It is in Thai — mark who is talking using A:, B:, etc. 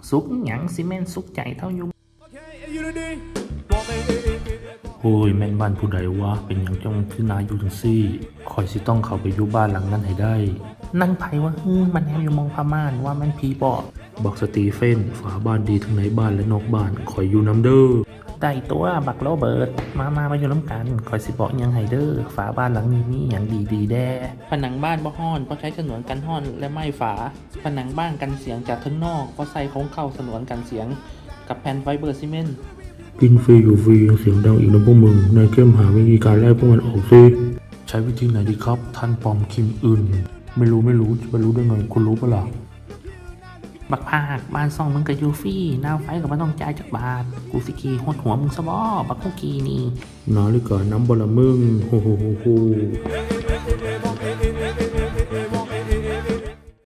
A: สุกหยังซีเมนสุกใจเท่าอยู่โอ้ยแม่นบ้านผู้ใดวะเป็นอย่างจังคือนายอยู่จังซี่คอยสิต้องเข้าไปอยู่บ้านหลังนั้นให้ได้นั่นไผวะมันแนวอยู่มองพม่านว่ามันผีปอบบอกสตีเฟนฝาบ้านดีทั้งในบ้านและนอกบ้านคอยอยู่น้ำเด้อได้ตัวบักโรเบิร์ตมาอยู่น้ำกันคอยสิบอกยังไฮเดอร์ฝาบ้านหลังนี้มีอย่างดีแด้ผนังบ้านบ่ฮ้อนเพราะใช้ฉนวนกันฮ้อนและไม้ฝาผนังบ้านกันเสียงจากทั้งนอกเพราะใส่ของเข้าฉนวนกันเสียงกับแผ่นไฟเบอร์ซีเมนต์
B: กินฟรีอยู่ฟรียังเสียงดังอีกนะพวกมึงนายเข้มหาวิธีการไล่พวกมันออกสิใช้วิธีไหนดีครับท่านปอมคิมอึนไม่รู้จะไปรู้ได้ไงคุณรู้ปะล่ะ
A: บักภาคบ้านซ่องมึงกับยูฟี่น้าไฟกับมันต้องจ่ายจากบาทกูสิกีหดหัวมึงซะบ่บักคุกกี้นี่
B: นาฬิกาน้ำบละมึงโฮ